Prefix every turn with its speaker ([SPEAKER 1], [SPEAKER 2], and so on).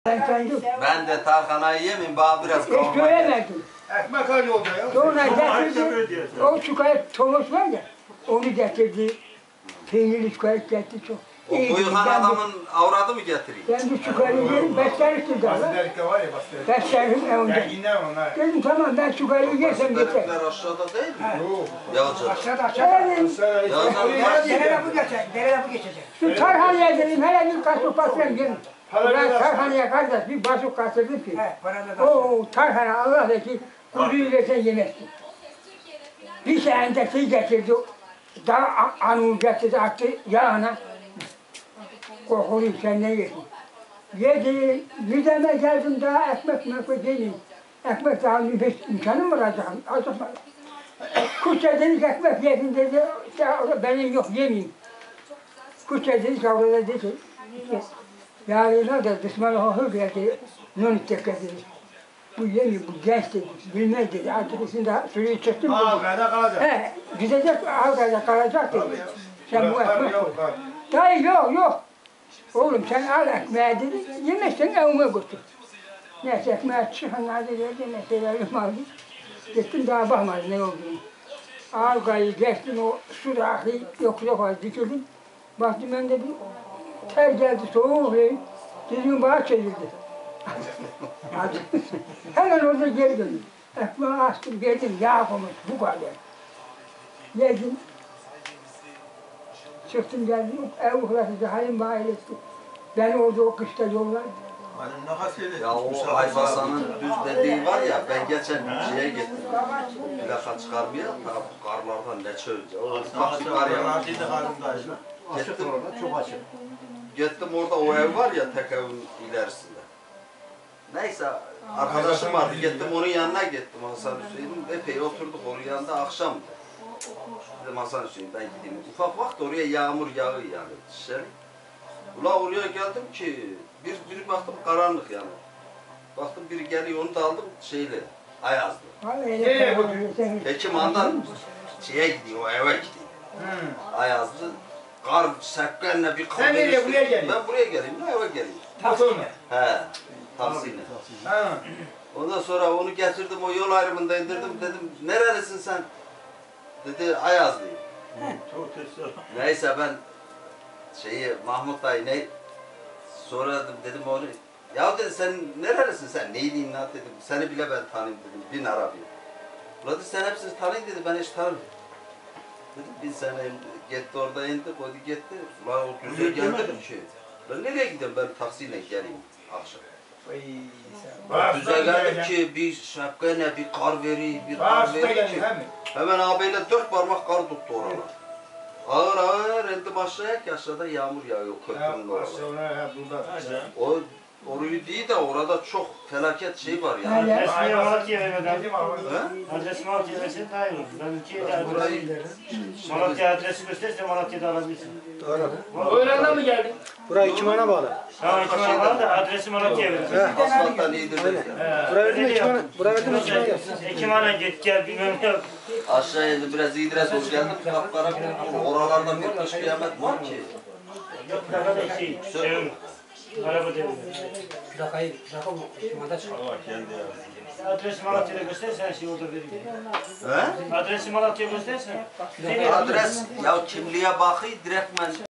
[SPEAKER 1] Ben de tarhanayı yemeyeyim, bana biraz kavurma
[SPEAKER 2] Hiç söylemedim.
[SPEAKER 3] Ekmek al yolda ya.
[SPEAKER 2] Sonra getirdi, o çikolat Thomas var ya, onu getirdi. Peynirli çikolat getirdi çok.
[SPEAKER 1] O buyukan adamın avradı mı getireyim?
[SPEAKER 2] Ben bu çikolatı yerim, beslenirsin daha.
[SPEAKER 3] Basit var ya basit.
[SPEAKER 2] Beslenim önce.
[SPEAKER 3] Ya yine onlar.
[SPEAKER 2] Dedim tamam ben çikolatı yersem yeter.
[SPEAKER 1] Benimkiler aşağıda değil mi?
[SPEAKER 3] Yok.
[SPEAKER 1] Yalçın.
[SPEAKER 2] Aşağıda.
[SPEAKER 3] Derede
[SPEAKER 4] bu geçecek.
[SPEAKER 2] Şu tarhaneye dedim, hele bir kaşık patron gelin. Ben tarhaneye kardeş bir basıp kaçırdım ki. O tarhane Allah da ki kuzuyu versen yemezsin. Bir senedir şey getirdi, daha anı getirdi, attı yağına. Korkuluyum sen ne yersin? Yedi, mideme geldim daha ekmek yemeyeyim. Ekmek daha imkanım var acaba. Kuşça dedik ekmek yedin dedi, benim yok yemeyeyim. Kuşça dedik orada dedi, yağlıyla da düşmanı hır geldi, nönük dedi. Bu yemiyor, bu genç dedi, bilmez dedi, artık içinde suyu çıktım.
[SPEAKER 3] Ağabeyde kalacak.
[SPEAKER 2] He, gidecek, ağabeyde kalacak dedi. Sen bu ekmek koy.
[SPEAKER 3] Yok.
[SPEAKER 2] Dayı yok. Oğlum sen al ekmeği dedi, yemezsen evime götür. Neyse ekmeği çıkanlar dedi, neyse verim aldı. Gittim daha bakmadım ne olduğunu. Ağabeyde geçtim o su aklı yoksa fazla dikildim. Baktım ben dedim, ter geldi soğuk verin, dedim bana çevirdi. Hemen orada geri döndüm. Ekmeği açtım, geldim, yağ koymuş, bu kadar. Yedim. Çıktım geldim, ev uğraşıcı halim bana iletti. Beni orada o kışta yollar.
[SPEAKER 1] Ya o Aybasan'ın düz dediği var ya, ben geçen şeye gittim. Plaka çıkarmaya, bu karlardan ne çölce. O ufak bir kar ya. Gittim orada o ev var ya, tek evin ilerisinde. Neyse, arkadaşım vardı, gittim onun yanına gittim Hasan Hüseyin'in. Epey oturduk onun yanında, akşamdı. Dedim Hasan Hüseyin ben gideyim. Ufak vakit oraya yağmur yağıyor yani dışarı. Ula oraya geldim ki, bir baktım karanlık yani. Baktım biri geliyor, onu da aldım şeyle, Ayazlı. Hekim andan şeye gidiyor, o eve gidiyor. Ayazlı, kar sekkenle bir kar.
[SPEAKER 3] Sen nereye buraya gelin?
[SPEAKER 1] Ben buraya geleyim, eve geleyim.
[SPEAKER 3] Motor mu?
[SPEAKER 1] He, taksiyle. Ondan sonra onu getirdim, o yol ayrımında indirdim, dedim nerelisin sen? Dedi Ayazlıyım. Neyse ben Mahmut dayı ne? Sonra dedim onu, ya dedi sen nerelisin sen? Neydin lan dedim, seni bile ben tanıyayım dedim, bin Arabi'yi. Ulan dedi sen hepsini tanıyın dedi, ben hiç tanımıyorum. Dedim bin sene gitti orada indi, koydu gitti. Ulan o düze geldim ki. Ben nereye gideyim, ben taksiyle geleyim akşam. Düze geldim ki bir şapkayla bir kar veri, bir kar veri ki. Hemen ağabeyle 4 parmak kar tuttu oralar. Ağır ağır indi başlayak ki aşağıda yağmur yağıyor köprünün oralar. O orayı değil de orada çok felaket şey var yani.
[SPEAKER 4] Adresini Malatya'ya verelim.
[SPEAKER 1] He?
[SPEAKER 4] Adresi Malatya'ya versen daha iyi olur. Ben
[SPEAKER 1] Burayı
[SPEAKER 4] Malatya adresi gösterirse Malatya'da alabilirsin.
[SPEAKER 3] Doğru. Öğrenden mi geldin?
[SPEAKER 5] Burayı kimana bağlı?
[SPEAKER 4] Tamam kimana bağlı da adresi Malatya'ya verirsin.
[SPEAKER 1] asfalttan iyidir.
[SPEAKER 5] Buraya verdim mi kimana? Buraya verdim mi kimana?
[SPEAKER 4] Kimana git gel bilmem ne yap.
[SPEAKER 1] Aşağıya indi biraz İdris doğru geldim. Kapkara oralardan bir kış kıyamet var ki.
[SPEAKER 4] Yok daha da şey araba devri.
[SPEAKER 5] Plaka kimanda çıkar.
[SPEAKER 4] Adresi Malatya'da göstersen şey orada vereyim.
[SPEAKER 1] He?
[SPEAKER 4] Adresi Malatya'ya göstersen.
[SPEAKER 1] Adres ya kimliğe bakıyor direktmen